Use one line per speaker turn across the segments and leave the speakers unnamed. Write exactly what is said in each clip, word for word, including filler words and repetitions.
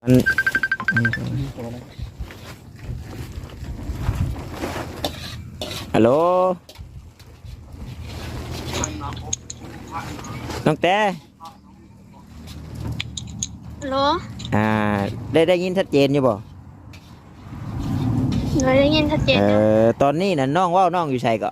มันฮัลโหลน้องแต่
ฮัลโหล
อ่าได้ได้ยินชัดเจนอยู่บ่
เราได้ยินชัดเจน
เออตอนนี้น่ะน้องว่าน้องอยู่ไสก็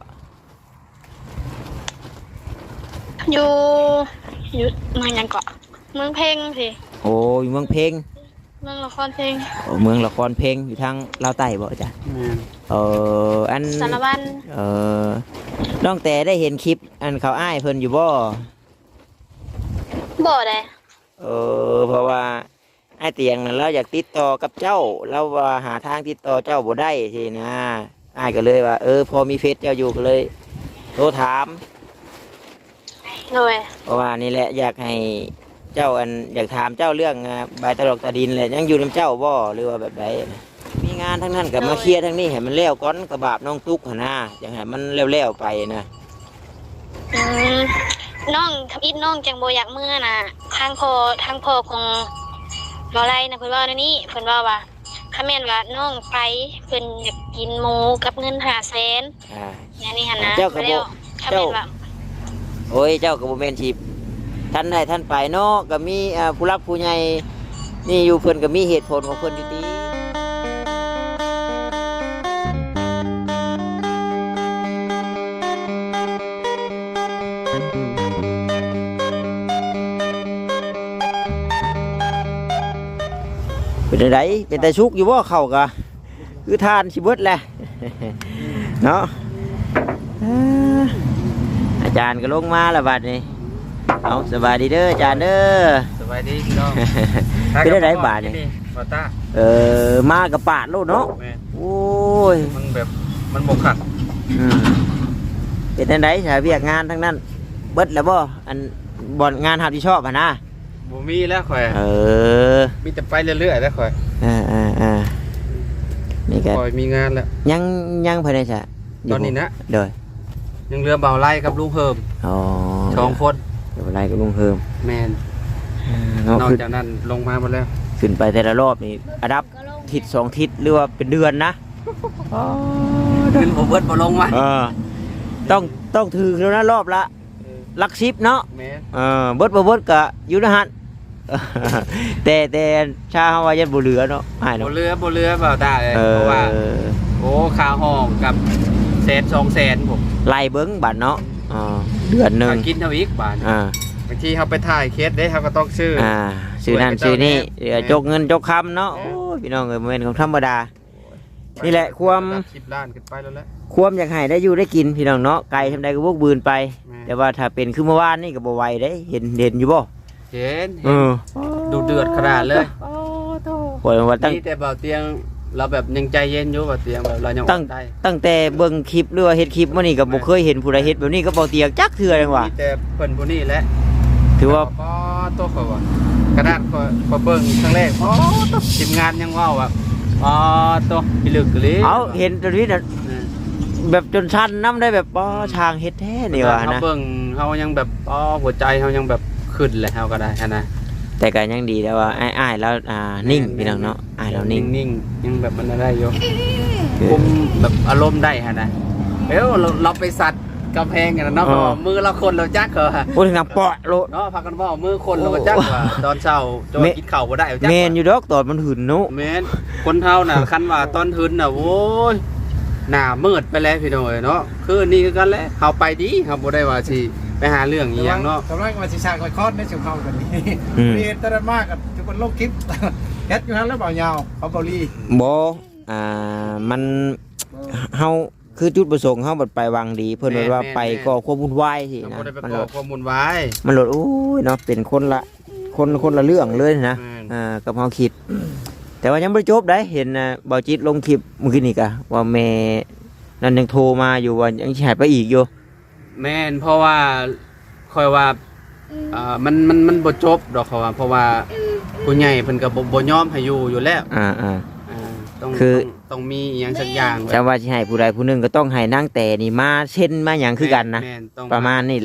อยู่อยู่เมืองยังเกาะเมืองเพลงสิ
โอ้อยู่เมืองเพลง
เมืองละครเพลง
โอ้เมืองละครเพลงอยู่ทางลาวใต้บ่จ้ะเอออัน
สารวัตร
เออน้องแต่ได้เห็นคลิปอันเขาอ้ายเพิ่นอยู่บ่
บ่ได้
เออเพราะว่าไอ้เตียงนั้นเราอยากติดต่อกับเจ้าเราว่าหาทางติดต่อเจ้าบ่ได้สินะไอ้ก็เลยว่าเออพอมีเฟซเจ้าอยู่ก็เลยโทรถาม
เลย
เพราะว่านี่แหละอยากให้เจ้าอันอยากถามเจ้าเรื่องใบตลกตาดินเลยยังอยู่ในเจ้าบ่หรือว่าแบบไหนมีงานทั้งนั้นกับมาเคลียร์ทั้งนี้ให้มันเลี้ยวก้อนกระบาบน้องตุ๊กหนะอยากให้มันเลี้ยวๆไปนะ
อืมน้องทำอิดน้องจังโบอยากเมื่อน่ะทางพอทางพอของบ่ไรนะเพิ่นว่าในนี้เพิ่นว่าว่าถ้าแม่นว่าน้องไปเพิ่นอยากกินหมูกับเงินห้าแสน
อ่า
อย่างนี้หั่นนะ
เจ้าก็บ่เจ้าโอ้ยเจ้าก็บ่แม่นสิท่านใดท่านไปเนาะก็มีผู้รับผู้ใหญ่นี่อยู่เพิ่นก็มีเหตุผลของเพิ่นอยู่ดีเป็นไดเป็นแต่ชุกอยู่บ่เข้ากะคือทานสิเบิดแหละเนาะอาจารย์ก็ลงมาแล้วบัดนี้เอาสบายดีเด้ออาจารย์เด้อ
สบายดีพี่น้อง
เป็นได้บาทนี่เออมากับปาดโลดเนาะโอ้ย
มันแบบมันบกขัด
เป็นได้ไหนสายเวียกงานทั้งนั้นเบิดแล้วบ่อันบ่อนงานหาที่ชอบอ่ะนะ
บ่มีแล้วข่อย
เออ
มีแต่ไปเรื่อยๆแล้วข่อย
อ่าอ่าอ่านี่ก็
ข่อยมีงานแล้ว
ยังยังภายในจ้ะ
ตอนนี้นะ
เด้อ
ยังเรือเบาไล่กับลุงเพิ่ม
อ๋อ
สองคน
เบาไล่กับลุงเพิ่ม
แมนนอกจากนั้นลงมาหมดแล้ว
ขึ้นไปแต่ละรอบนี่อันดับทิศสองทิศหรือว่าเป็นเดือนนะ
ขึ้นผมเบิดบ่ลงมา
เออต้องต้องถือแล้วนะรอบละลักชิปเนาะเออเบิดบ่เบิดกะอยู่นะฮะแต่แต่ชาฮาวายันบ่เหลือเนาะหายเนาะ
บ่เหลือบ่เหลือเปล่าได้เลยเพราะว่าโอ้ค่าห้องกับแสนสองแสนผม
ไล่เบิ้งบาทเนาะอ๋อเดือนหนึ่ง
กินเท่าอีกบาทอ่าบางทีเขาไปถ่ายเคสได้เขาก็ต้องซื้อ
อ่าซื้อนั่นซื้อนี่จกเงินจกคำเนาะโอ้พี่น้องเอ้ยเป็นของธรรมดานี่แหละความ
สิบล้านขึ้นไปแล้วแหละ
ความอยากให้ได้อยู่ได้กินพี่น้องเนาะไก่ทำได้ก็พวกบืนไปแต่ว่าถ้าเป็นคือเมื่อวานนี่ก็บ่ไหวได้เห็นเห็นอยู่บ่
เห็นดูเดือดขนาดเลยโอ้
โหว่าตั้ง
แต่เบาเตียงเราแบบยังใจเย็นอยู่เบาเตียงแบบเรายัง
ตั้งตั้งแต่เบิ่งคลิปหรือว่าเฮ็ดคลิปมื้อนี้ก็บ่เคยเห็นผู้ใดเฮ็ดแบบนี้ก็เบาเตียงจักเทื่อจังว่า
แต่เพิ่นผู้นี้แหละ
ถือว่า
อ๋อตัวเขาว่ากระดาษเขาเบิ่งครั้งแรกอ๋อตัวทีมงานยังว่าว่าอ๋อตัวพิลึกเลย
เอาเห็นตรงนี้น่ะแบบจนชันน้ำได้แบบป้อช่างเฮ็ดแท้นี่ว่านะ
เบิ่งเฮายังแบบอ๋อหัวใจเฮายังแบบขึ้นเลยเฮาก็ได้นะ
แต่ก็ยังดีแล้วว่าอ้ายๆแล้วอ่านิ่งพี่น้องเนาะอ้ายเรานิ่ง
นิ่งยังแบบมันได้อยู่คุมแบบอารมณ์ได้ฮะนะเอ้าเราเราไปสัตว์กำแพงกันเนาะมือเราคนเราจักเหรอ
พูดถึงเปาะโล
เนาะพากันว่ามือคนเราจักว่าตอนเช้าจะกินข้าวบ่ได้จัก
แม่นอยู่ดอกตอนมันหืนเนาะ
แม่นคนเฮาน่ะคันว่าตอนหืนน่ะโว้ยหน้ามืดไปแล้วพี่น้อยเนาะคือนี่คือกันแหละเฮาไปดีเฮาบ่ได้ว่าสิไปหาเรื่องอีหยังเนาะ
กำลังมาสิชาคอยคอดในเสียงเข้ากันนี่มีตระมากกับทุกคนโลกคลิปเฮ็ดอยู่ฮั่นแล้วเบายาวเขาเกาหลี
บ่อ่ามันเฮาคือจุดประสงค์เฮาบัดไปวางดีเพิ่นว่าไปก็ความวุ่นวายสินะ
มันก็ความวุ่นวาย
มันโลดโอ้ยเนาะเป็นคนละคนคนละเรื่องเลยนะอ่ากับเฮาคิดแต่ว่ายังบ่จบได้เห็นน่ะบ่จิตลงคลิปเมื่อกี้นี่กะว่าแม่นั่นยังโทรมาอยู่ว่ายังสิให้ไปอีกอยู่
แม่นเพราะว่าคอยว่าอ่ามันมันมันบ่จบดอกเขาว่าเพราะว่าผู้ใหญ่เพิ่นก็บ่บ่ยอมให้อยู่อยู่แล้ว
อ่า
อ่าต้องคือต้องมีอีหยังสักอย่าง
แต่ว่าสิให้ผู้ใดผู้หนึงก็ต้องให้นางแต่นี่มาเช่นมาหยังคือกันนะประมาณนี้แหละ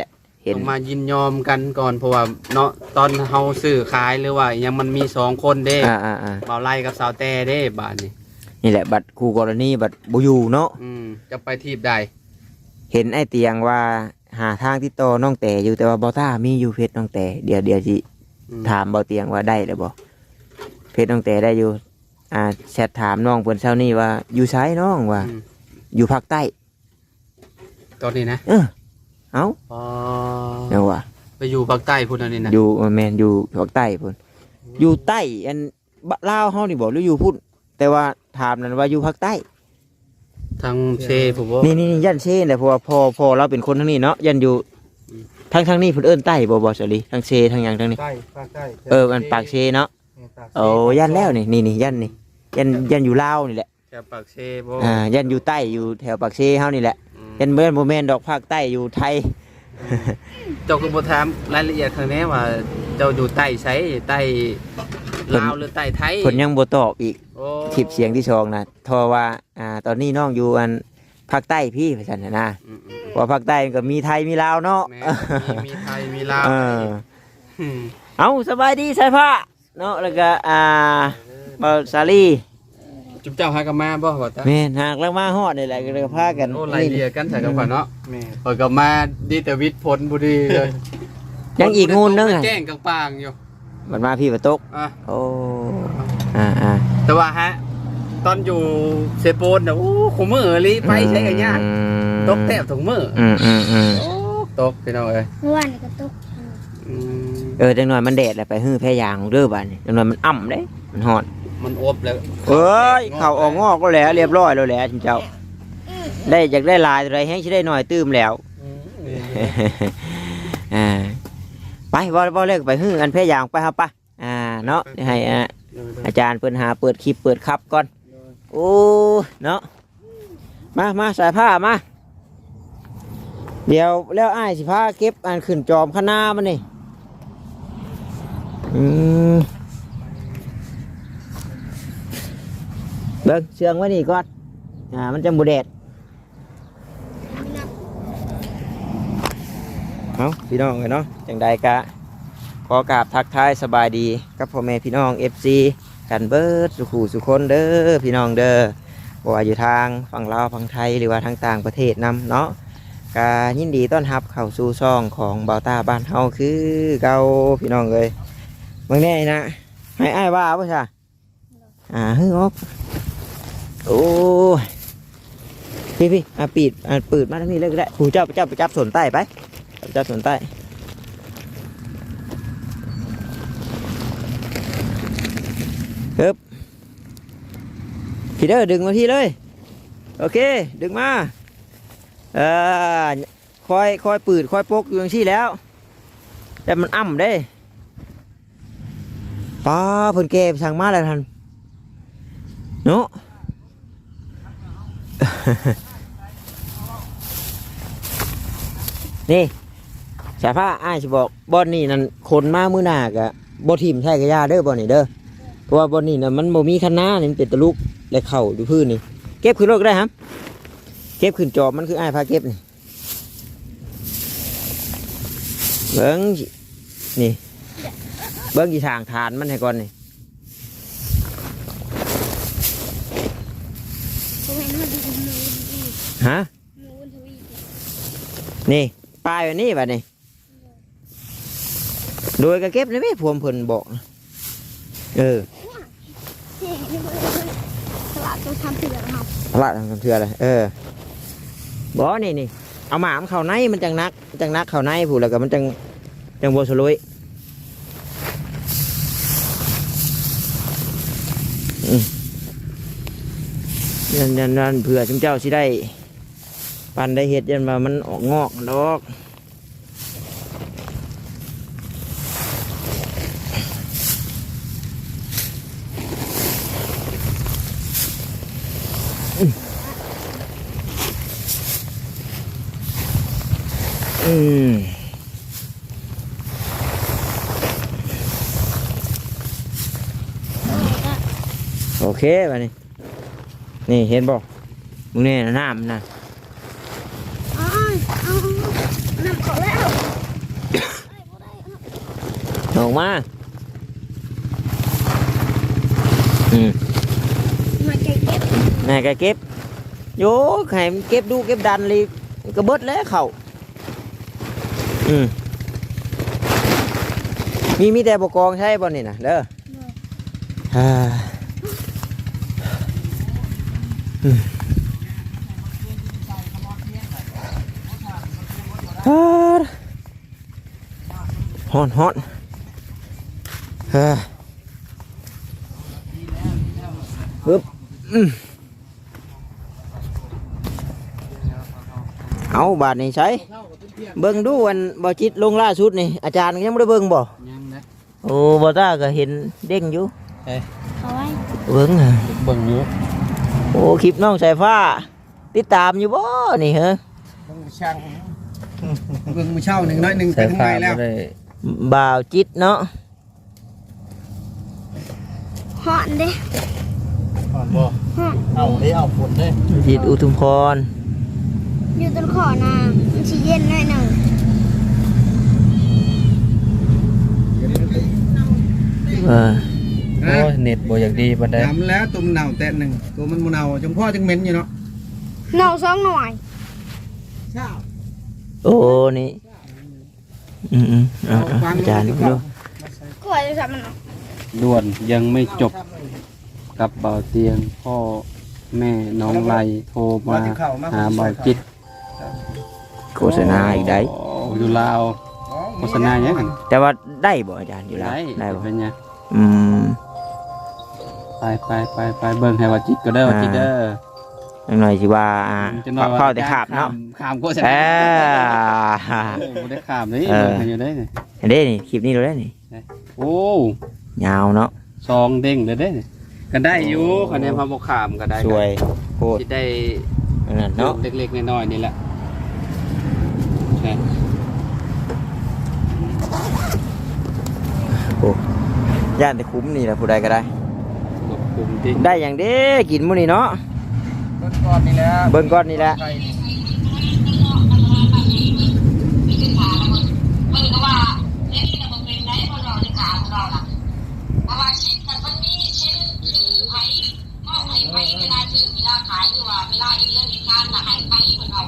เห็น
ต้องมายินยอมกันก่อนเพราะว่าเนาะตอนเฮาซื้อขายหรือว่ายังมันมีสองคนเด้
อ่าอ่าอ่า
เบาไล่กับสาวแต่เด้บาดนี้
นี่แหละบัตรคู่กรณีบัตรบุยูเนาะ
อืมจะไปทีบใด
เห็นไอ้เตียงว่าหาทางที่ต่อน้องแต่อยู่แต่ว่าบอต้ามีอยู่เพชรน้องแต่เดี๋ยวเดี๋ยวสิ
อืม
ถามเบาเตียงว่าได้หรือบ่เพชรน้องแต่ได้อยู่อ่าแชทถามน้องเพิ่นเช้านี้ว่าอยู่ไสน้องว่า
อืม
อยู่ภาคใต้
ตอนนี้นะ
เออเอ้า
อ๋อ
เนาะว่า
ไปอยู่ภาคใต้พุ่นอันนี้นะ
อยู่แม่นอยู่ภาคใต้พุ่นอยู่ใต้อันบะลาวเฮานี่บ่หรืออยู่พุ่นแต่ว่าถามนั่นว่าอยู่ภาคใต้
ทางเซผมว่า
นี่นี่นี่ยันเช่นแหละเพราะว่าพ่อพ่อเราเป็นคนทางนี้เนาะยันอยู่
อืม
ทางทางนี้เพิ่นเอิ้นใต้บ่บ่สลีทางเชทางหยังทางนี้
ใต้ภาคใต้
เออมันปากเชเนาะโอ้ยันแล้วนี่นี่นี่ยันนี่ยันยันอยู่ลาวนี่แหละ
แถวปากเซบ่
อ่ายันอยู่ใต้อยู่แถวปากเชเฮานี่แหละ
อืม
ยันเบิ่นบ่แม่นดอกภาคใต้อยู่ไทย
เจ้าก็บ่ถามรายละเอียดข้างในว่าเจ้าอยู่ใต้ไสใต้ลาวหรือใต้ไทย
เพิ่นยังบ่ตอบอีก
โอ้
คลิปเสียงที่สองน่ะทอว่าอ่าตอนนี้น้องอยู่อันภาคใต้พี่ว่าซั่นน่ะนะ
อืมอืม
ว่าภาคใต้มันก็มีไทยมีลาวเนาะ
แม่มีมีไทยมีลาว
เออ
อืม
เอาสบายดีสายผ้าเนาะแล้วก็อ่าเบาสาลี
จุ๊บเจ้าหากันมาบ่ว่าตา
แม่นหากแล้วมาฮอดนี่แหละก็เลยพากัน
โอ้รายละเอียดกันใส่กันก่อนเนาะ
แม่
เปิดกับมาดีแต่วิทย์ผลบุรีเลย
ยังอีกงูนึง
อ่ะ
อ่ะ
แจ้งกลางปางอยู่
มันมาพี่ประตก
อ่ะ
โอ้อ่าอ่า
แต่ว่าฮะ ตอนอยู่เซโปนนะโอ้ขมือลีไปใช้กันยากตกแทบถุงมือ
อืมอืมอืม
โอ้ตกพี่น้องเอ้ย
เมื่อวานก็ตก
อืม
เออจังหน่อยมันแดดแหละไปฮื้อแพ้ยางเด้อบ้านนี่จังหน่อยมันอ่ำเด้มันฮอด
มันอบแล้ว
เอ้ยเข่าออกงอกก็แล้วเรียบร้อยแล้วแหละจิเจ้า ได้อยากได้ลายอะไรให้สิได้หน่อยตื้มแล้ว
อืมนี่
อ่าไปบ่บ่เลิกไปฮื้ออันแพ้ยางไปครับป่ะอ่าเนาะเดี๋ยวให้อ่าอาจารย์เปิดหาเปิดคลิปเปิดคับก่อนโอ้เนาะมามาสายผ้ามาเดี๋ยวแล้วอ้ายสิพาเก็บอันขึ้นจอมข้างหน้ามันนี่อืมเบิ่งเชืองไว้นี่ก่อนอ่ามันจะบูแดดเอาพี่น้องเลยเนาะจังใดกะขอกราบทักทายสบายดีกับพ่อแม่พี่น้อง เอฟ ซี กันเบิดสุขูสุคนเด้อพี่น้องเด้อบ่ว่าอยู่ทางฝั่งลาวฝั่งไทยหรือว่าทางต่างประเทศนำเนาะกายินดีต้อนรับเข้าสู่ช่องของเบาตาบ้านเฮาคือเก่าพี่น้องเลยเมื่อนี้นะให้อ้ายว่าบ่ใช่อ่าฮึออกโอ้ยพี่พี่อ่ะปิดอ่ะเปิดมาทางนี้เลยก็ได้ผู้เจ้าเจ้าไปจับสวนใต้ไปจับสวนใต้ครับ พี่เด้อดึงมาพี่เลยโอเคดึงมาเออคอยคอยปืดคอยปกอยู่อย่างที่แล้วแต่มันอ่ำได้ป้าเพิ่นแก่สั่งมาแล้วท่านเนาะ นี่สายผ้าอ้ายจะบอกบอนนี่นั่นคนมามือหน้ากะบอทีมใช่กระยาเด้อบอนนี่เด้อเพราะว่าบอนนี่น่ะมันโมมีคันหน้านี่มันเป็นตะลุกและเข่าดูพื้นนี่เก็บขึ้นรถก็ได้ครับเก็บขึ้นจอบมันคืออ้ายพาเก็บนี่เบิ้งนี่เบิ้งกี่ทางฐานมันให้ก่อนนี่ฮะนี่ปลายแบบนี้แบบนี้โดยกระเก็บเลยไหมพวมเพิ่นบอกนะเออ
ตลาดต้องทำเถื่อนครับ
พระทำเถื่อเลยเออบอกนี่นี่เอาหมามนเข่าในมันจังนักจังนักเข่าในผูแล้วก็มันจังจังโบสลุยอืมยันยันยันเผื่อจุมเจ้าสิได้ปันได้เห็ดยันว่ามันออกงอกดอกอืมโอเคไปนี่นี่เห็นบอกมึงเนี่ยน้ำนะ
อ๋อเอาน้ำขอแล้ว
ออกมาอืม
มาเก็บเก็บ
นายก็เก็บโยไข่เก็บดูเก็บดันเลยก็เบิดแล้วเขาอืมมีมีแต่บกองใช่บ่นี่นะเด้ออ่าอืมอ่าฮอนฮอนเฮ้ยปึ๊บอืมเอาบาทนี่ใช้เบิ่งดูวันบ่จิตลงล่าสุดนี่อาจารย์ยังไม่ได้เบิ่งบ่
ยังนะ
โอ้บ่ตาก็เห็นเด้งอยู่
เอาไว้
เบิ่งอ่ะ
เบิ่งอยู่
โอ้คลิปน้องสายฟ้า ติดตามอยู่บ่นี่เหรอ
เบิ่งช่างเบิ่งมือเช่าหนึ่งน้อยหนึ่งไปทางไหนแล้ว
บ่าวจิตเนาะ
หอนเด้
ก่อนบ่
หอน
เอาได้เอาฝนได้
จิตอุทุมพร
อยู่ต้นขอนามันสิเย็นหน่อยหนึ่ง
เออ
โอ้ยเน็ตบ่อยากดีปานใด
ยำแล้วตัวมันเน่าแต่หนึ่งตัวมันมันเน่าจังพ่อจังเหม็นอยู่เนาะ
เน่าสองหน่วย
เช้า
โอ้นี่อืมอืมเอาเอาอาจารย์ดู
กล้วยจะทำมัน
ด่วนยังไม่จบกับเบาเตียงพ่อแม่น้องไลโทรมาหาเบาจิต
โฆษณาอีกได้
โอยู่ลาวโฆษณาหยังหั่น
แต่ว่าได้บ่อาจารย์อยู่แล้ว
ได้
ได้บ่
เป็นไง
อืม
ไปไปไปไปเบิ่งให้ว่าจิตก็เด้อว่าจิตเด้อ
จังหน่อยสิว่าอ่า
จะหน่อยว่า
เข้าแต่ขาบเนาะ
ขามโฆษ
เอ
ณา
อ
โอ้บ่ได้ขามเลย
เออ
เบิ่งให้อยู่ได้นี่
เห็นเด้นี่คลิปนี้เราได้นี่
โอ้
ยาวเนาะ
ซองเด้งเลยเด้นี่ก็ได้อยู่คะแนนพาบ่ขามก็ได้
สวยโคตร
สิได้
อันนั้นเนาะ
เล็กๆน้อยๆนี่แหละใช่
โอ้ย่านแต่คุ้มนี่แหละผู้ใดก็ได้
ขอบคุณที่
ได้อย่างเด้กินมื้อนี้เนาะ
เบิ่งก่อนนี่แหละ
เบิ่งก่อนนี่แหละ
ไก่นี่
มึงก็ว่าเรื่องนี้มันเป็นไรคนเราในขาของเราล่ะเพราะว่าชิ้นมันมันมีชิ้นคือไผ่นอกไผ่ไผ่เวลาซื้อเวลาขายหรือว่าเวลาเรื่องเหตุการณ์มาให้ไผ่คนเรา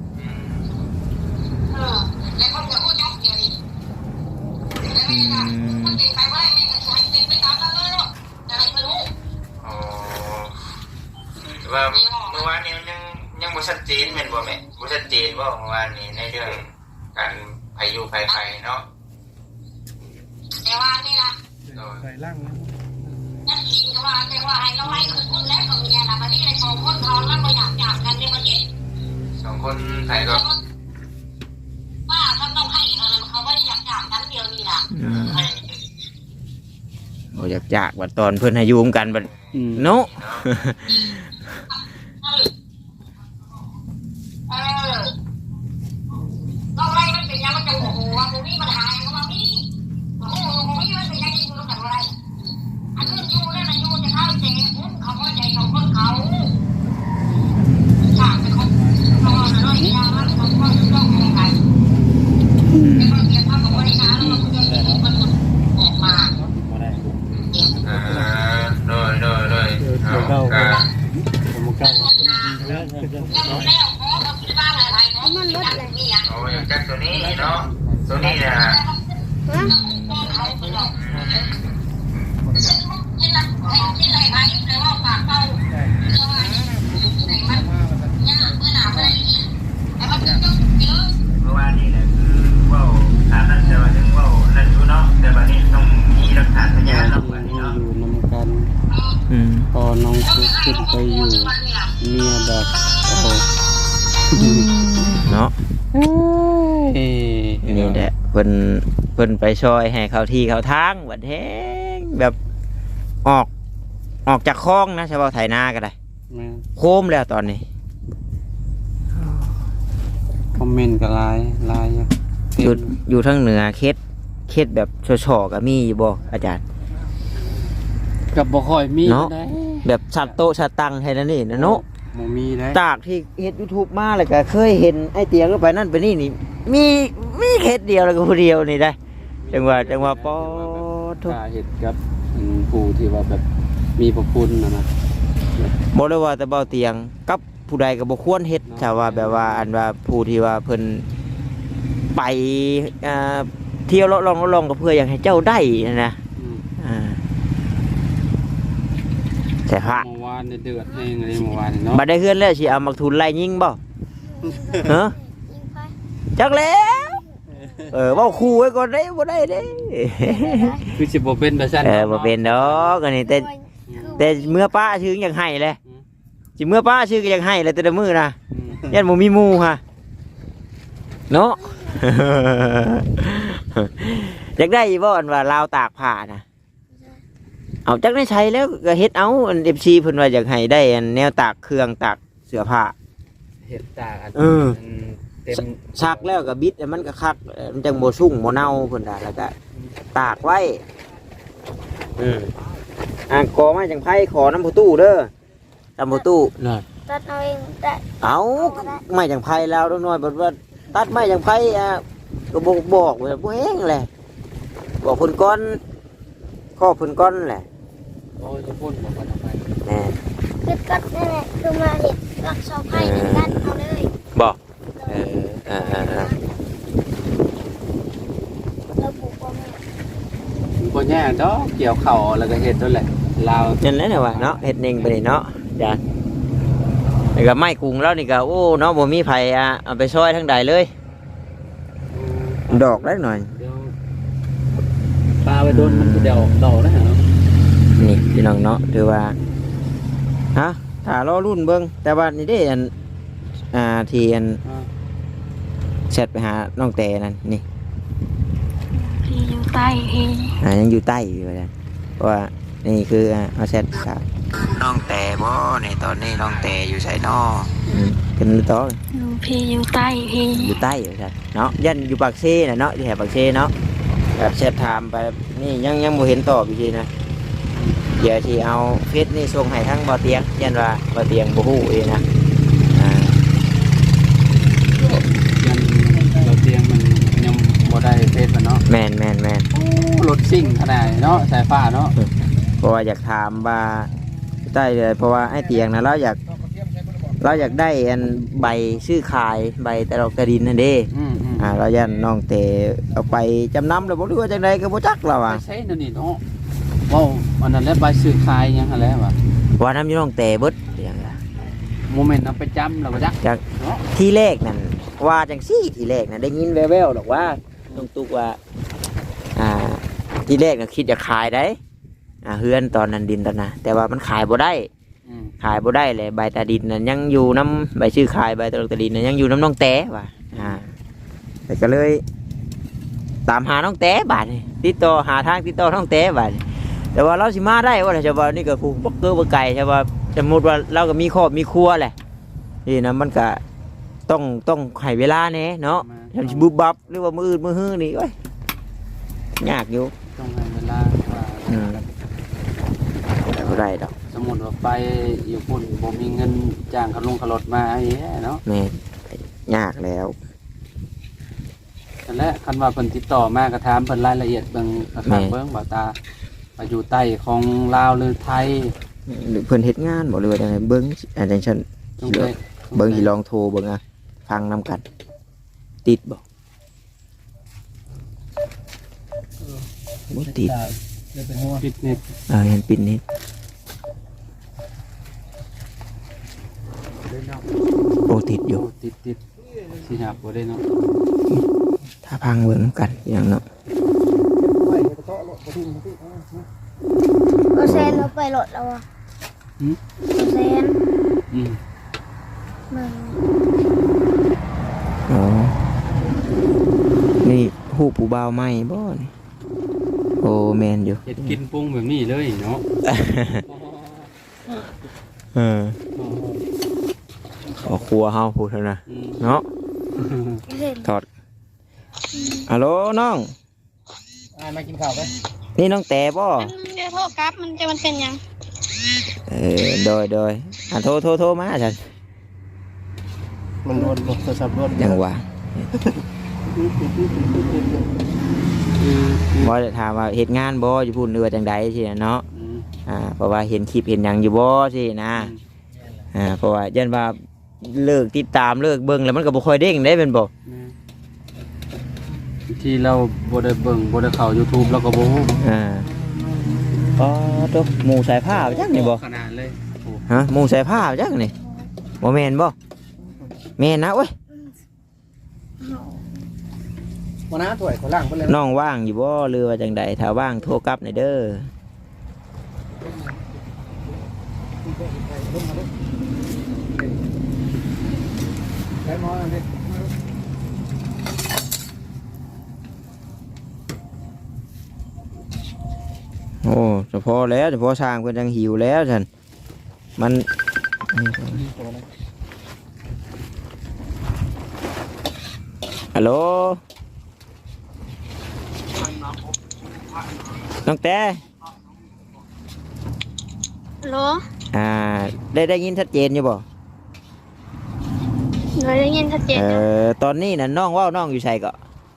เออแล้วคนจะพูดยกเดียวนี่แล้วแม่ก็มันเป็นไปว่าแม่ก็ใช้เป็นไปตามนั้นเลยเนาะอะไรไม่รู้
อ๋อว่าเมื่อวานนี้มันยังยังบ่ชัดเจนแม่นบ่แม่บ่ชัดเจนบ่เมื่อวานนี้ในเรื่องการพายุภัยไฟเนาะ
แต่ว่านี่นะ
ไก่ล่างนะ
นักกินก็ว่าแต่ว่าให้เราให้คือคนแล้วกับเมียนะวันนี้ในสองคนเขาแล้วก็อยากอยากกันในวันนี้
สองคนไทยก็
ว่าถ้าต้องให้เขาเขาว่าอยากอยากกันเดียวนี่นะ
โอ้อยากจากบัดตอนเพิ่นให้อยู่ร่วมกันบัด
อืม
เนาะ
เออต้องไล่มันเป็นยังมันจะโอ้โหว่าผมมีปัญหาเขาว่ามีโอ้โหผมมีมันเป็นยังกินรู้กันอะไรอันนี้ยูนั่นนะยูจะเข้าใจผมเขาเข้าใจของคนเขาฉากเป็นคนเขาว่าน้อยยามันเขาก็ต้องอะไรกันแต่บางทีเขาบอกว่าในงานเราคุยกันมันออกมา
บ่ได้
อ่าโดยโดยโดยเอา
เก้า
ก็
ผมเก้า
แล้วแล้วขอกับที่บ้านอะไรเนาะมันลดเลยนี่อ่ะ
เอาอย่างจักตัวนี้เนาะตัวนี้น่ะ
ฮะ
เขาไปหรอกซึ่งที่นั่นที่ไหนไปเลยว่าปากเป้าไหนมันยากเมื่อหนาวเลยแต่มันต้องเยอะ
เมื่อวานนี้แหละคือเว้าถามนั่นแต่ว่าถึงเว้านั่นอยู่เนาะแต่บัดนี้ต้องมีหลักฐานพยานเนาะบัดนี้
อยู่
เนาะ
นำกัน
อืม
พอน้องฟุกขึ้นไปอยู่เมียแบบโอ้
เนาะ
เอ้ย
นี่แหละเพิ่นเพิ่นไปช่วยให้เขาที่เขาทางบัดแฮงแบบออกออกจากคลองนะเฉพาะไถนาก็ได้
แม่
โคมแล้วตอนนี้
คอมเมนต์ก็หลายหลายอยู่
อยู่อยู่ทางเหนือเขตเขตแบบชอๆก็มีอยู่บ่อาจารย์
กับบ่ค่อยมี
เนาะ
ได้
แบบชัดโตะชัดตังให้นั่นนี่นะเนาะ
บ่มีได้
จากที่เฮ็ด YouTube มาแล้วก็เคยเห็นไอ้เตียงก็ไปนั่นไปนี่นี่มีมีเขตเดียวแล้วก็ผู้เดียวนี่ได้จังหวะจังหวะปอทุก
กาเฮ็ดกับอืมผู้ที่ว่าแบบมีพระคุณนะนะ
บ่ได้ว่าแต่เบาเตียงกับผู้ใดก็บ่ควรเฮ็ดถ้าว่าแบบว่าอันว่าผู้ที่ว่าเพิ่นไปอ่าเที่ยวเลาะลองเลาะลองก็เพื่ออยากให้เจ้าได้นะ
อืม
อ่าแต่พระ
เมื่อวานเนี่ยเดือดเองเลยเมื่อวานเนาะ
บัดได้เฮือนแล้วสิเอามักทุนไล่ยิงบ่ฮะ
ยิงไป
จักแล้วเออเว้าคู่ไว้ก่อนเด้บ่ได้เด้
คือสิบ่เป็นแต่ซั่น
เออบ่เป็นดอกอันนี้แต่แต่เมื่อป้าชื่ออยากให้เลยสิเมื่อป้าชื่อก็อยากให้เลยแต่ละมื้อนะ
อืม
ยันบ่มีหมู่ฮะเนาะ อยากได้บ่อันว่าลาวตากผ้านะเอาจักได้ใช้แล้วก็เฮ็ดเอาอัน เอฟ ซี เพิ่นว่าอยากให้ได้อันแนวตากเครื่องตากเสื้อผ้า
เฮ็ดจากอัน
เออ
เต็ม
ซักแล้วก็บิดให้มันก็คักเอ่อมันจังบ่สุ่งบ่เน่าเพิ่นว่าแล้วก็ตากไว้อืมอ่างกอไม้จังไผขอน้ำผู้ตู้เด้อตำผู้ตู้น่ะ
ตัดเอาเองได้
เอาไม้จังไผแล้วน้อยๆบ่ว่าตัดไม้จังไผอ่ะก็บอกบอกว่าบ่แห้งแหละบอกเพิ่นก่อนข้อเพิ่นก่อนแหละ
โอ้ยจะพูดบอกว่าทำไม
แน่
คือตัดนั่นแหละคือมาเห็ดรักเสาไผ่ในกันเอาเลย
บอกเออเออเออเออ
เราปลูกว่าแม่
บ่แย่ดอกเกี่ยวเข่าแล้วก็เฮ็ดนั่นแหละลาว
นั่นแหละเนี่ยว่ะเนาะเฮ็ดเองไปนี่เนาะจ้ะนี่ก็ไม้กรุงแล้วนี่ก็โอ้เนาะบ่มีไผอ่ะเอาไปซอยทั้งใดเลย ดอกได้หน่อย
เดี๋ยวปลาไปโดนมันเดี๋ยวดอกนะฮะ
นี่พี่น้องเนาะถือว่าฮะถ้ารอรุ่นเบิ่งแต่ว่านี่ได้อันอ่าที่อัน
อ่า
แชทไปหาน้องแต่นั่นนี่
พี่อยู่ใต้พี่
อ่ายังอยู่ใต้อยู่เลยเพราะว่านี่คืออ่าเอาแชทครับน้องแต่บ่ในตอนนี้น้องแต่อยู่ไสนออืมเป็นหรือต่อ
อยู่พี่อยู่ใต้พี่
อยู่ใต้อยู่ใช่เนาะยันอยู่ปากเซ่น่ะเนาะอยู่แถวปากเซ่เนาะแบบแชทถามไปนี่ยังยังบ่เห็นตอบอยู่ทีนะเดี๋ยวที่เอาเฟซนี่ส่งให้ทั้งบ่อเตียงยันว่าบ่อเตียงบ่ฮู้เองนะอ่า
ยันเราเตียงมันยังบ่ได้เฟซมันเนาะ
แม่นแม่นแม่น
รถซิ่งขนาดเนาะสายฟ้าเนาะ
เพราะว่าอยากถามว่าใต้เลยเพราะว่าไอ้เตียงนะเราอยากเราอยากได้อันใบซื้อขายใบแต่เรากระดินนั่นเด้
อืมอืม
อ่าเรายันน้องเตเอาไปจำนำแล้วบ่รู้ว่าจังไดก็บ่จักเรา
ไป
อ่ะ
ใช้นั่นนี่เนาะว้าววันนั้นแล้วใบซื้อขายยังหั่นแหล้วว่ะ
ว่าน้ำอยู่น้องเตเบิดเตียงอะ
โมเมนต์นำไปจำแล้วบ่จัก
จาก
เนาะ
ที่แรกนั่นว่าจังซี่ที่แรกนั่นได้ยินแว่วๆหรอกว่าน้องตุ๊กว่าอ่าที่แรกน่ะคิดจะขายได้อ่าเฮือนตอนนั้นดินตอนน่ะแต่ว่ามันขายบ่ได้
อืม
ขายบ่ได้เลยใบตาดินนั่นยังอยู่น้ำใบชื่อขายใบตาดตาดินนั่นยังอยู่น้ำน้องแต้ว่ะอ่าแต่ก็เลย ตามหาน้องแต้บาดนี่ติดต่อหาทางติดต่อน้องแต้บาดนี่แต่ว่าเราสิมาได้ว่าจะว่านี่ก็ผูกบักเกอร์บักไก่ใช่ว่าสมมติว่าเราก็มีครอบมีครัวแหละนี่นะมันก็ต้องต้องให้เวลาแน่เนาะทำสิบุบบับหรือว่ามืออื่นมือฮื้อนี่โอ้ยยากอยู่
ต้องให้เวลาว่า
อืมแต่บ่ได้ดอก
สมมุติว่าไปอยู่พุ่นบ่มีเงินจ้างเขาลงเขารถมาไอ้แย่เนาะ
แม่นยากแล้ว
นั่นแหละคันว่าเพิ่นติดต่อมาก็ถามเพิ่นรายละเอียดเบิ่งกระทางเบิ่งบ่ตาไปอยู่ใต้ของลาวหรือไทย
หรือเพิ่นเฮ็ดงานบ่หรือว่าจังไดเบิ่งอันจังซั่น
จงได้
เบิ่งสิลองโทรเบิ่งอ่ะฟังนํกัน ติดบ่บ่ติด
เดี๋ยวเป็นหัว
ปิดเน็ต
เออเห็นปิดนิดโอ้ติดอยู่
โอ้ติดติดสิหาบ่ได้เนาะ
ถ้าพังเบิ่งนำกันอย่างเนาะ
ก็แซนเราไปรถแล้วอ่ะ
หืม
ก็แซน
อืม
มึง
อ๋อนี่ฮู้ผู้บ่าวใหม่บ่นี่โอ้แม่นอยู่
เฮ็ดกินปรุงแบบนี้เลยเนาะ
เออขอครัวเฮาพูดเท่านะ
อืม
เนาะ
เห็น
ถอดฮัลโหลน้อง
อ่ามากินข้าวไหม
นี่น้องแต่บ่
เดี๋ยวโทษครับมันจะมันเป็นยัง
เออโดยโดยอ่ะโทรโทรโทรมาฉัน
มันโดนโทรศัพท์โดน
ยังว่า
อืมอืม
บ่ได้ถามว่าเฮ็ดงานบ่อยู่พุ่นหรือว่าจังใดสิเนาะ
อืม
อ่าเพราะว่าเห็นคลิปเห็นหยังอยู่บ่สินะอ่าเพราะว่ายันว่าเลิกติดตามเลิกเบิ่งแล้วมันก็บ่ค่อยเด้งได้เป็นบ่
ที่เราบ่ได้เบิ่งบ่ได้เข้า YouTube เราก็บ่ฮู้
อ่าก็ตกหมู่สายผ้าจักนี่บ่
ขนาดเลยโอ้
ฮะหมู่สายผ้าจักนี่บ่แม่นบ่แม่นนะเว้ย
วันน้าถ้วยเขาล่างไปเลย
น้องว่างอยู่บ่หรือว่าจังใดถ้าว่างโทรกลับหน่อยเด้อ
ใช้หม้ออันนี้
โอ้เฉพาะแล้วเฉพาะสร้างเพิ่นจังหิวแล้วซั่นมันฮัลโหลน้องแต่
ฮัลโหล
อ่าได้ได้ยินชัดเจนอยู่บ่
หนูได้ยินชัดเจน
เอ่
อยู่
อตอนนี้น่ะน้องเว้าน้องอยู่ไสก็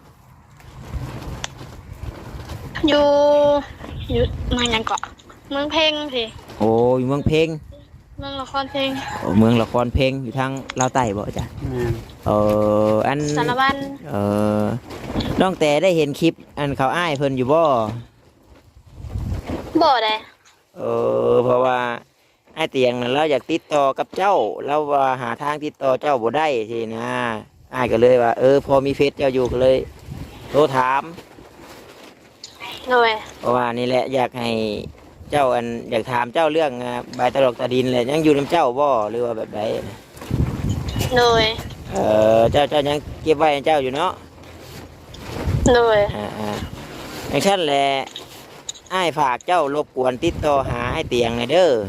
อยู่อยู่เมืองหยังเกาะเมืองเพ่งสิ
โอ้อยู่เมืองเพ็ง
เมืองละครเพ่ง
โอ้เมืองละครเพ็งอยู่ทางลาวใต้บ่จ้ะ
แม่น
เอออัน
สารวัตร
เออน้องแต่ได้เห็นคลิปอันเขาอ้ายเพิ่นอยู่บ่
บ่ได้
เออเพราะว่าไอ้เตียงนั้นเราอยากติดต่อกับเจ้าเราว่าหาทางติดต่อเจ้าบ่ได้สินะอ้ายก็เลยว่าเออพอมีเฟซเจ้าอยู่ก็เลยโทรถาม
โดย
เพราะว่านี่แหละอยากให้เจ้าอันอยากถามเจ้าเรื่องอ่าใบตลกตาดินเลยยังอยู่นํเจ้าบ่หรือว่าแบบใดนะ
โดย
เออเจ้าเจ้ายังเก็บไว้ให้เจ้าอยู่เนาะ
โดย
อ่าอ่าอย่างเช่นแหละอ้ายฝากเจ้ารบกวนติดต่อหาไอ้เตียงหน่อยเด้อ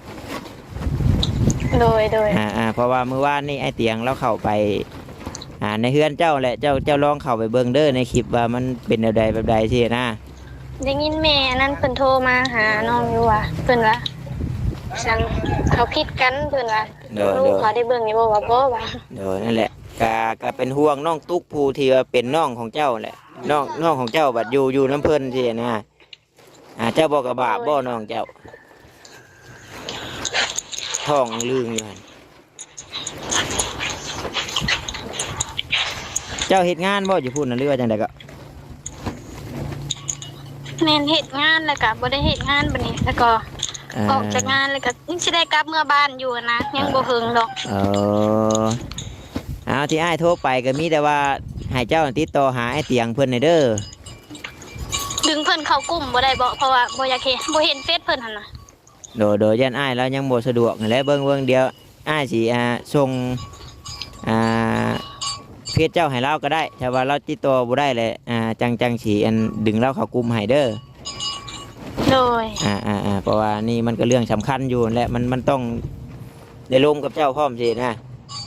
โดยโดย
อ่าอ่าเพราะว่าเมื่อวานนี่ไอ้เตียงเราเข้าไปอ่าในเฮือนเจ้าแหละเจ้าเจ้าลองเข้าไปเบิ่งเด้อในคลิปว่ามันเป็นแบบใดแบบใดสินะ
ได้ยินแม่นั่นเพิ่นโทรมาหาน้องอยู่ว่าเพิ่นว่าฉันเขาผิดกันเพิ่นว่า
เด้อ
ลู
เด้
ก
อ
เขาได้เบิ่งอยู่บ่ว่าบ่ว่า
เด้อนั่นแหละกะกะเป็นห่วงน้องตุ๊กผู้ที่ว่าเป็นน้องของเจ้าแหละน้องน้องของเจ้าบัดอยู่อยู่น้ำเพิ่นสินะอ่าเจ้าบอกกับบาปบ่น้องเจ้าท้องลืงอยู่หั่นเจ้าเฮ็ดงานบ่อยู่พุ่นน่ะหรือว่าจังไดก็
แม่นเฮ็ดงานแล้วก็บ่ได้เฮ็ดงานบัดนี้แล้วก็ออกจากงานแล้วก็ยังสิได้กลับเมื่อบ้านอยู่นะยังบ่ถึงดอก
เออเอาที่อ้ายโทรไปก็มีแต่ว่าให้เจ้าติดต่อหาไอ้เตียงเพิ่นหน่อยเด้อ
ดึงเพิ่นเข้ากลุ่มบ่ได้บ่เพราะว่าบ่อยากเห็นบ่เห็นเฟซเพิ่นหั่นน่ะ
โดยโดยยันอ้ายแล้วยังบ่สะดวกนั่นแหละเบิ่งเบิ่งเดียวอ้ายสิอ่าส่งอ่าเพจเจ้าให้เราก็ได้ถ้าว่าเราติดต่อบ่ได้แหละอ่าจังจังสิอันดึงเราเข้ากลุ่มให้เด้อ
โดย
อ่าอ่าอ่าเพราะว่านี่มันก็เรื่องสำคัญอยู่นั่นแหละมันมันต้องได้ร่วมกับเจ้าพร้อมสินะ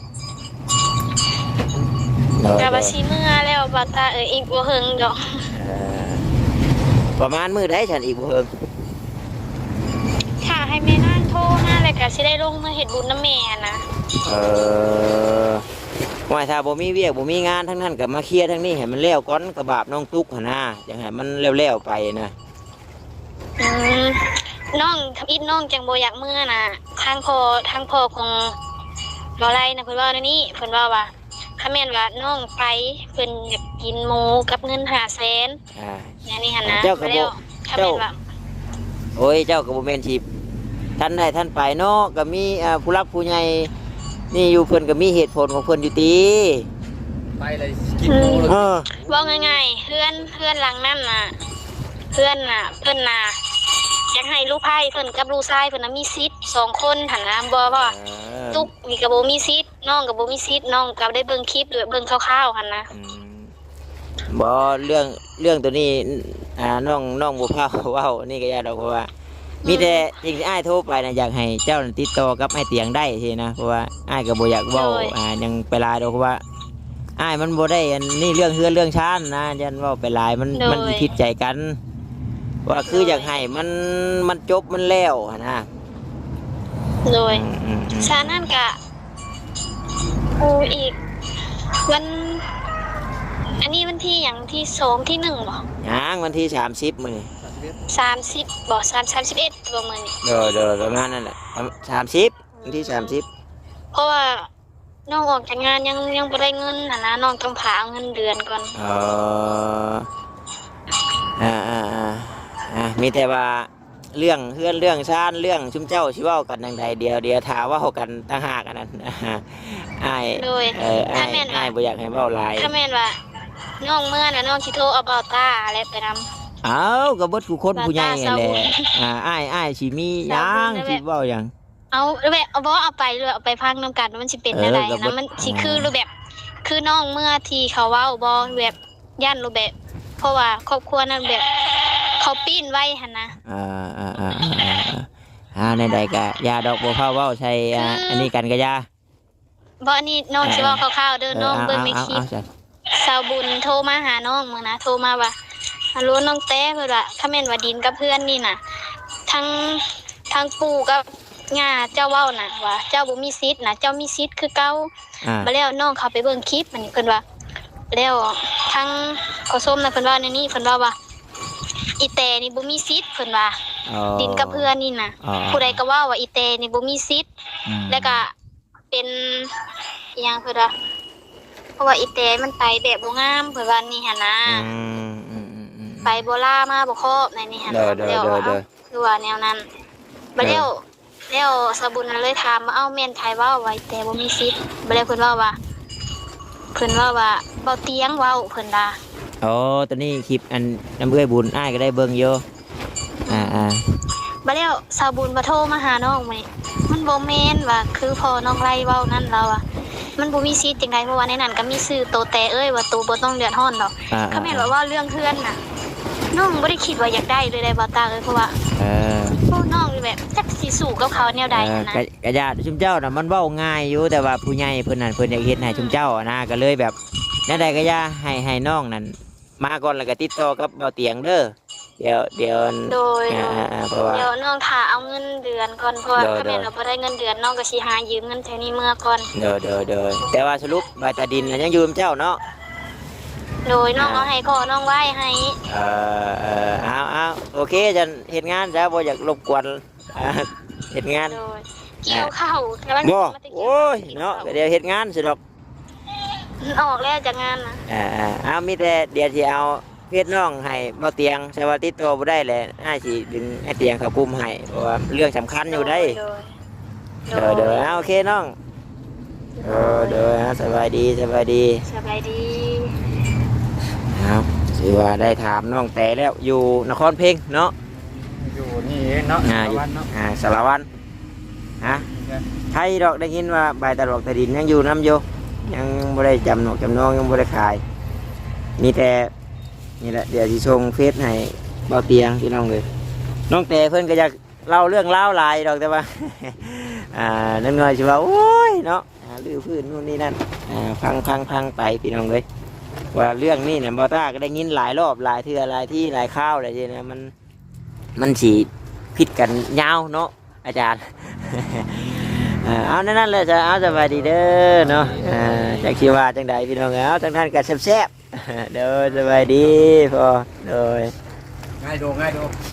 โดย
กะ
โด
ว่าย สิเมื่อแล้วบ่ตาเอ้ยอีกบ่ถึงดอก
เอ่อประมาณมื้อใดฉันอีกบ่เฮิง
ถ้าให้แม่นางโทรมาแล้วก็สิได้ลงมาเฮ็ดบุญนำแม่นะ
เออว่าถ้าบ่มีเวียกบ่มีงานทั้งนั้นก็มาเคลียร์ทั้งนี้ให้มันแล้วก่อนกระบาบน้องตุ๊กหั่นนะจังให้มันแล้วๆไปนะ
อืมน้องทำอิดน้องจังบ่อยากเมื่อน่ะทางพ่อทางพ่อของบ่ไรนะเพิ่นว่าในนี้เพิ่นว่าว่าถ้าแม่นว่าน้องไปเพิ่นอยากกินหมูกับเงินห้าแสน
อ่า
อย่างนี้หั่นนะ
เจ้าก็บ่
แล้วถ้าแม่นว่า
โอ้ยเจ้าก็บ่แม่นสิท่านใดท่านไปเนาะก็มีอ่าผู้รักผู้ใหญ่นี่อยู่เพิ่นก็มีเหตุผลของเพิ่นอยู่ติ
ไปเลยกินหมูเลย
เออ
เว้าง่ายๆเพื่อนเพื่อนหลังนั้นน่ะเพื่อนน่ะเพิ่นน่ะอยากให้ลูกไผ่เพิ่นกับลูกชายเพิ่นน่ะมีสิทธิ์สองคนหั่นนะบ่ว่า
เออ
ตุ๊กนี่ก็บ่มีสิทธิ์น้องก็บ่มีสิทธิ์น้องก็ได้เบิ่งคลิปด้วยเบิ่งคร่าวๆหั่นนะ
อืมบ่เรื่องเรื่องตัวนี้อ่าน้องน้องบ่พาเว้านี่ก็อย่าดอกเพราะว่า มีแต่สิ่งที่อ้ายโทรไปนะอยากให้เจ้าติดต่อกับไอ้เตียงได้ทีนะเพราะว่าอ้ายก็บ่อยากเว้าอ่ายังไปหลายดอกเพราะว่าอ้ายมันบ่ได้อันนี่เรื่องเฮือนเรื่องชานนะยันเว้าไปหลายมันมันผิดใจกัน ว่าคืออยากให้มันมันจบมันแล้วหั้นนะ
โดย
อืมอืมอืม
ฉะนั้นก็โอ้อีกวันอันนี้วันที่อย่างที่สองที่หนึ่งบ่
ยังวันที่สามสิบมื้อนี้
สามสิบบ่สามสามสิบเอ็ดประมาณนี้
เด้อเด้อประมาณนั้นแหละสามสิบวันที่สามสิบ
เพราะว่าน้องออกจากงานยังยังบ่ได้เงินนะนะน้องต้องผาเอาเงินเดือนก่อน
เอออ่าอ่าอ่าอ่ามีแต่ว่าเรื่องเพื่อนเรื่องชาติเรื่องชุมเจ้าชิเว้ากันดังใดเดียวเดียวถาเว่ากันต่างหากอันนั้น อ้าย
โดย
เอออ้า
ถ้าย แม่นว่า
อ้ายบ่อยากให้เว้าหลาย
ถ้าแม่นว่าน้องเมื่อน่ะน้องสิโทรเอาเบาตาอะไรไปนำ
เอ้าก็เบิดผู้คนผู้ใหญ่นั่นแหละ
บาตาสาวบุญ
อ่าอ้ายอ้ายสิมีห
สา
ยั
ว
ง
บุญนั่นแหละ
สิเว้าหยัง
เอาแบบเอาบ่เอาไปเลยเอาไปพังนํกันว่ามันสิเป็น
เออ
อะไร
ก็บ่
นะมันสิคือรูปแบบ คือน้องเมื่อที่เขาเว้าบ่แบบย่านรูปแบบ เพราะว่าครอบครัวนั้นแบบ เขาปิ้นไว้หั่นนะ
อ่าอ่าอ่าอ่าอ่าอ่าในใดก็ยาดอกบัวเผาเว้าใช่อ่า
คืออั
อันนี้กันก็ยา
บ่อันนี้น้องสิเว้าคร่าวๆเด้อน้อง
เอา
เบิ่ง
เอา
ใน
เอา
คลิป
เอาจ้ะ
สาวบุญโทรมาหาน้องมึงนะโทรมาว่าฮัลโหลน้องแต้เพิ่นว่าถ้าแม่นว่าดินกับเพื่อนนี่น่ะทั้งทั้งปู่กับย่าเจ้าเว้าน่ะว่าเจ้าบ่มีสิทธิ์น่ะเจ้ามีสิทธิ์คือเก่า
อ่า
มาแล้วน้องเขาไปเบิ่งคลิปมันนี่เพิ่นว่าแล้วทั้งขอส้มน่ะเพิ่นว่าในนี้เพิ่นว่าว่าอีแตนี่บ่มีสิทธิ์เพิ่นว่า
อ๋อ
ดินกับเพื่อนนี่น่ะ
อ๋อ
ผู้ใดก็ว่าว่าอีแตนี่บ่มีสิทธิ์
อืม
แล้วก็เป็นอิหยังเพิ่นว่าเพราะว่าอีแตมันไปแบบบ่งามเพิ่นว่านี่หั่นนะ
อืมอืมอืมอืม
ไปโบล่ามาบ่ครอบในนี่หั่น
เด้อเด้อ
แล้ว
เด้อ
ว่า
เด้อ
เอ้าคือว่าแนวนั้นบ่แล้วแล้วสบุญน่ะเลยถามว่าเอ้าแม่นไผเว้าไว้แต่บ่มีสิทธิ์บ่แล้วเพิ่นเว้าว่าเพิ่นเว้าว่าเว้าเตียงเว้าเพิ่นว่า
อ๋อตอนนี้คลิปอันน้ำเอื้อยบุญอ้ายก็ได้เบิ่งอยู่อ่าอ่า
บ่แล้วสาวบุญบ่โทรมาหาน้องมื้อนี้มันบ่แม่นว่าคือพ่อน้องไล่เว้านั่นเราอ่ะมันบ่มีสิทธิ์จังไดเพราะว่าในนั้นก็มีชื่อโตแต่เอ้ยว่าโตบ่ต้องเดือดร้อนดอก
อ่า
ถ้าแม่นว่าเว่าเรื่องเพื่อนน่ะน้องบ่ได้คิดว่าอยากได้เลยได้บ่ตาเอ้ยเพราะว่า
เออ
พวกน้องนี่แบบจักสิสู้กับเขาแนวใด
เออ
นะ
กะกะยาชุมเจ้าน่ะมันเว้าง่ายอยู่แต่ว่าผู้ใหญ่เพิ่นนั่นเพิ่นอยากเฮ็ดให้ชุมเจ้าอะนะก็เลยแบบนั่นใดก็อย่าให้ให้น้องนั่นมาก่อนแล้วก็ติดต่อกับเบาเตียงเด้อเดี๋ยวเดี๋ยว
โดย
อ่าอ่าอ่าเพราะว่า
เดี๋ยวน้องถ้าเอาเงินเดือนก่อนเพราะว่า
โดย
ถ้าแม่น
โดย
เราบ่ได้เงินเดือนน้องก็สิหายืมเงินแถวนี้เมื่อก่อน
เด้อเด้อเด้อแต่ว่าสรุปบาตาดินน่ะยังอยู่กับเจ้าเนาะ
โดยน้องเอาให้พ่อน้องไว้ให้
เออเออเอาเอาโอเคจะเฮ็ดงานจ้ะบ่อยากรบกวนอ่าเฮ็ดงาน
โดยเกี่ยวข้าวแต่ว่า
บ่
มันจะเกี่ว
โอ้ยเนาะก็เดี๋ยวเฮ็ดงานสิดอก
มันออกแล้วจากงานนะ
อ่าอ่าเอามีแต่เดี๋ยวสิเอาเพชรน้องให้เบาเตียงใช่ว่าติดตัวบ่ได้แหละอ้ายสิดึงไอ้เตียงเข้ากลุ่มให้เพราะว่าเรื่องสำคัญอยู่ได้
โดย
เด้อเด้อเอาโอเคน้องเออเด้อสบายดีสบายดี
สบายดี
ครับถือว่าได้ถามน้องแต่แล้วอยู่นครเพ็งเนาะ
อยู่นี่เองเนาะ
อ่าอยู่
วันเนาะ
อ่าสารวันฮะไทยดอกได้ยินว่าใบตลกตะดินยังอยู่น้ำอยู่ยังไม่ได้จำหนกจำนองยังไม่ได้ขาย มีแต่นี่แหละเดี๋ยวจะส่งเฟซให้เบาเตียงพี่น้องเลยน้องแต่เพื่อนก็อยากเล่าเรื่องเล่าวหลายดอกแต่ว่า อ่านั่นเงยชิว่าโอ้ยเนาะอ่าลือพื้นนู่นนี่นั่นอ่าพังพังพังไปพี่น้องเลยว่าเรื่องนี้เนี่ยบอต้าก็ได้ยินหลายรอบหลายเทื่อหลายที่หลายข้าวอะไรทีนะมันมันสีพิดกันยาวเนาะอาจารย์ อ่าเอานั่นนั่นเลยจะเอาสบายดีเด้อเนาะอ่าจากชีว่าจังใดพี่น้องเอาจังท่านกันแซ่บๆ เด้อสบายดีพอเด้อ
ง่ายดูง่ายดู